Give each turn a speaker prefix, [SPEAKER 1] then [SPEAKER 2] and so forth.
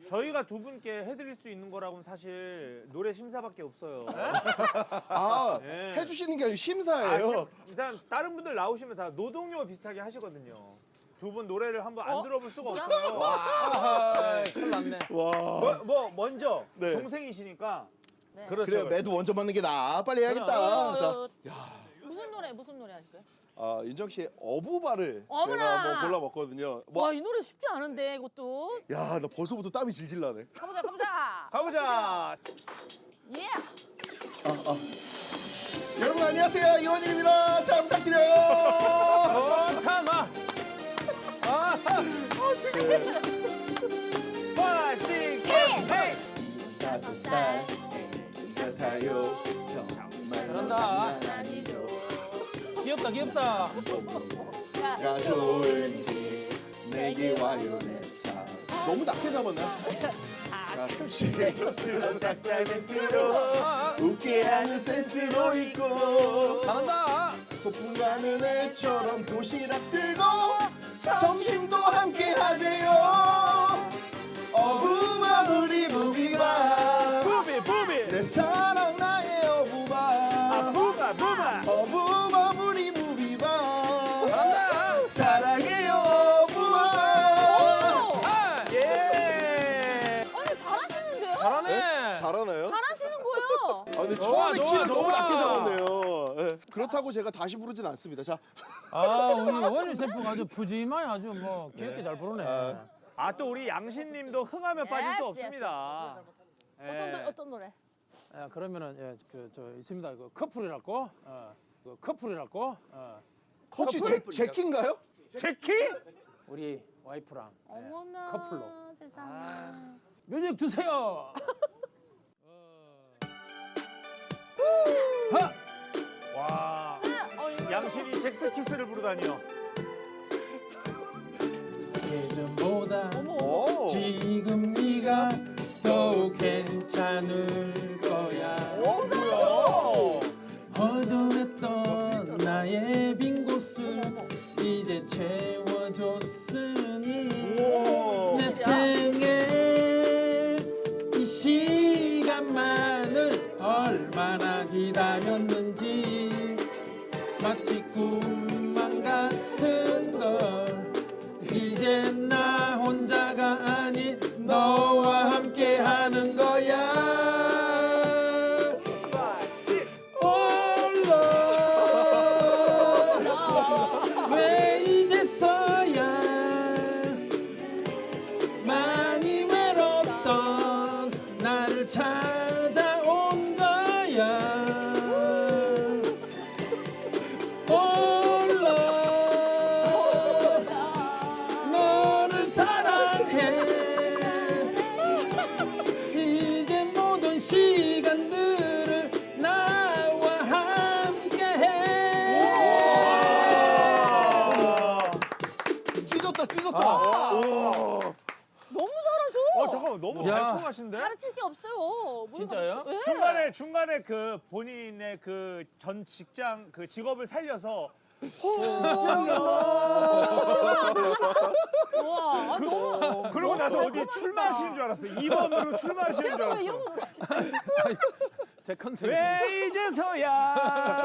[SPEAKER 1] 저희가 두 분께 해드릴 수 있는 거라고는 사실 노래 심사밖에 없어요.
[SPEAKER 2] 아,
[SPEAKER 1] 네.
[SPEAKER 2] 해주시는 게 아니고 심사예요.
[SPEAKER 1] 일단 다른 분들 나오시면 다 노동요 비슷하게 하시거든요. 두 분 노래를 한번 안
[SPEAKER 3] 어?
[SPEAKER 1] 들어볼 수가
[SPEAKER 3] 진짜?
[SPEAKER 1] 없어요.
[SPEAKER 4] 아, 큰일 났네.
[SPEAKER 2] 와.
[SPEAKER 1] 먼저
[SPEAKER 2] 네.
[SPEAKER 1] 동생이시니까
[SPEAKER 3] 네.
[SPEAKER 1] 그렇죠.
[SPEAKER 2] 그래, 매도 먼저 맞는 게 나아. 빨리 해야겠다. 자,
[SPEAKER 3] 무슨 노래 하실 거예요?
[SPEAKER 2] 윤정 씨의 어부바를
[SPEAKER 3] 어머나!
[SPEAKER 2] 제가 한번 골라봤거든요.
[SPEAKER 3] 와, 이 노래 쉽지 않은데 이것도.
[SPEAKER 2] 야, 나 벌써부터 땀이 질질 나네.
[SPEAKER 3] 가보자, 가보자.
[SPEAKER 1] 가보자.
[SPEAKER 3] 예.
[SPEAKER 2] 여러분 안녕하세요, 이원일입니다. 잘 부탁드려요.
[SPEAKER 1] 타마.
[SPEAKER 2] 지금
[SPEAKER 1] 5, 6, 7, 8.
[SPEAKER 2] 5살 같아요. 정말
[SPEAKER 4] 잘한다.
[SPEAKER 3] 아니죠.
[SPEAKER 4] 귀엽다, 귀엽다.
[SPEAKER 2] 가 좋은지 내게 와요 내 삶. 너무 낮게 잡았나? 가끔씩 웃으면 닭살 멘트로 웃게 하는 센스도 있고
[SPEAKER 4] 잘한다.
[SPEAKER 2] 소풍 가는 애처럼 도시락 들고 점심도 함께 하재요. 어부바 부리 부비바
[SPEAKER 1] 부비.
[SPEAKER 2] 내 사랑 나의 어부바
[SPEAKER 1] 부바.
[SPEAKER 2] 어부바 부리 부비바
[SPEAKER 4] 잘한다.
[SPEAKER 2] 사랑해요 어부바.
[SPEAKER 1] 예.
[SPEAKER 3] 아니, 잘하시는데요?
[SPEAKER 4] 잘하네.
[SPEAKER 2] 잘하나요?
[SPEAKER 3] 잘하시는 거예요.
[SPEAKER 2] 아 근데
[SPEAKER 4] 좋아,
[SPEAKER 2] 처음에
[SPEAKER 4] 좋아,
[SPEAKER 2] 키를 너무
[SPEAKER 4] 좋아.
[SPEAKER 2] 낮게 잡았네요. 예. 그렇다고 제가 다시 부르진 않습니다. 자,
[SPEAKER 4] 아, 우리 원희 셰프가 아주 푸짐하게 아주 뭐 귀엽게 잘 부르네.
[SPEAKER 1] 또 우리 양신님도 흥하면 빠질 수
[SPEAKER 3] Yes,
[SPEAKER 1] 없습니다. 예.
[SPEAKER 3] 어떤 노래?
[SPEAKER 4] 그러면은 저 있습니다. 그 커플이라고. 그 커플이라고.
[SPEAKER 2] 혹시 제키인가요?
[SPEAKER 1] 제키?
[SPEAKER 4] 우리 와이프랑
[SPEAKER 3] 어머나.
[SPEAKER 4] 커플로.
[SPEAKER 3] 세상에.
[SPEAKER 4] 뮤직 주세요. 하!
[SPEAKER 1] 와.
[SPEAKER 3] 이거
[SPEAKER 1] 양신이 잭스키스를 부르다니요.
[SPEAKER 4] 예전보다
[SPEAKER 2] 오.
[SPEAKER 4] 지금 네가 더욱 괜찮을 거야.
[SPEAKER 1] 뭐야?
[SPEAKER 4] 허전했던 나의 빈 곳을 이제 채워줬으니
[SPEAKER 2] 우와.
[SPEAKER 4] 내 생에 이 시간만을 얼마나 기다렸는지 마치 꿈만 같은 걸 이제 나 혼자가 아닌 너와 함께 하는 거야. 홀로 왜 이제서야 많이 외롭던 나를 찾아온 거야. 홀로 너를 사랑해. 이제 모든 시간들을 나와 함께해.
[SPEAKER 2] 찢었다. 우와.
[SPEAKER 3] 너무 잘하셔.
[SPEAKER 1] 잠깐만 너무
[SPEAKER 4] 야.
[SPEAKER 1] 달콤하신데?
[SPEAKER 3] 가르칠 게 없어요.
[SPEAKER 4] 진짜요?
[SPEAKER 3] 네.
[SPEAKER 1] 중간에 그 본인의 그 전 직장 그 직업을 살려서
[SPEAKER 3] 우와, 너무.
[SPEAKER 1] 그러고 나서 어디 출마하시는 줄 알았어요. 2번으로 출마하시는 줄
[SPEAKER 3] 그래서 왜
[SPEAKER 1] 알았어요.
[SPEAKER 3] 이런 거 노래?
[SPEAKER 4] 제 컨셉이
[SPEAKER 1] 왜 이제서야